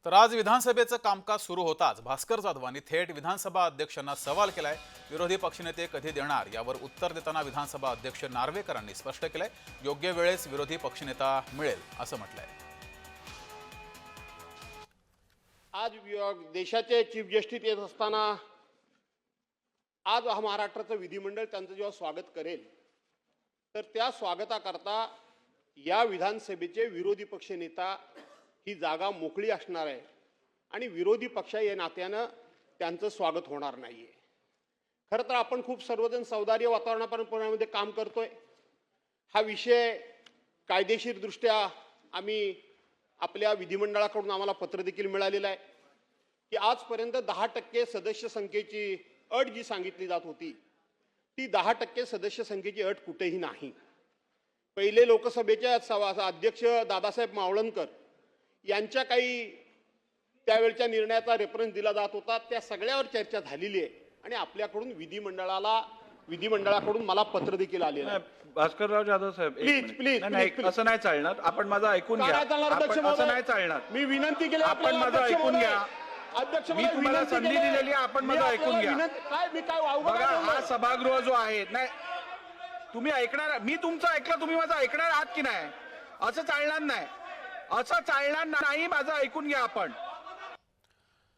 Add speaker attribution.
Speaker 1: तर आज विधानसभेचं कामकाज सुरू होताच भास्कर जाधवांनी थेट विधानसभा अध्यक्षांना सवाल केलाय। विरोधी पक्षनेते कधी देणार यावर उत्तर देताना विधानसभा अध्यक्ष नार्वेकरांनी स्पष्ट केलंय, योग्य वेळेस विरोधी पक्षनेता मिळेल असं म्हटलंय।
Speaker 2: आज देशाचे चीफ जस्टिस येत असताना आज महाराष्ट्राचं विधिमंडळ त्यांचं जेव्हा स्वागत करेल तर त्या स्वागताकरता या विधानसभेचे विरोधी पक्षनेता ही जागा मोकळी असणार आहे आणि विरोधी पक्ष या नात्यानं त्यांचं स्वागत होणार नाहीये। खरं तर आपण खूप सर्वजण सौदार्य वातावरणामध्ये काम करतोय। हा विषय कायदेशीर दृष्ट्या आम्ही आपल्या विधिमंडळाकडून आम्हाला पत्र देखील मिळालेलं आहे की आजपर्यंत 10% सदस्य संख्येची अट जी सांगितली जात होती ती 10% सदस्य संख्येची अट कुठेही नाही। पहिले लोकसभेचे अध्यक्ष दादासाहेब मावळणकर यांच्या काही त्यावेळच्या निर्णयाचा रेफरन्स दिला जात होता, त्या सगळ्यावर चर्चा झालेली आहे आणि आपल्याकडून विधिमंडळाकडून मला पत्र देखील आलेलं आहे।
Speaker 3: भास्करराव जाधव साहेब
Speaker 2: प्लीज
Speaker 3: असं नाही चालणार, आपण माझं ऐकून घ्या। असं नाही चालणार,
Speaker 2: मी विनंती केली,
Speaker 3: आपण माझं ऐकून घ्या।
Speaker 2: अध्यक्ष
Speaker 3: मी तुम्हाला संधी दिलेली आहे, आपण माझं ऐकून घ्या। बघा, हा सभागृह जो आहे, नाही तुम्ही ऐकणार, मी तुमचं ऐकलं, तुम्ही माझं ऐकणार आहात की नाही? असं चालणार नाही, असं चालणार नाही, माझं ऐकून घ्या आपण।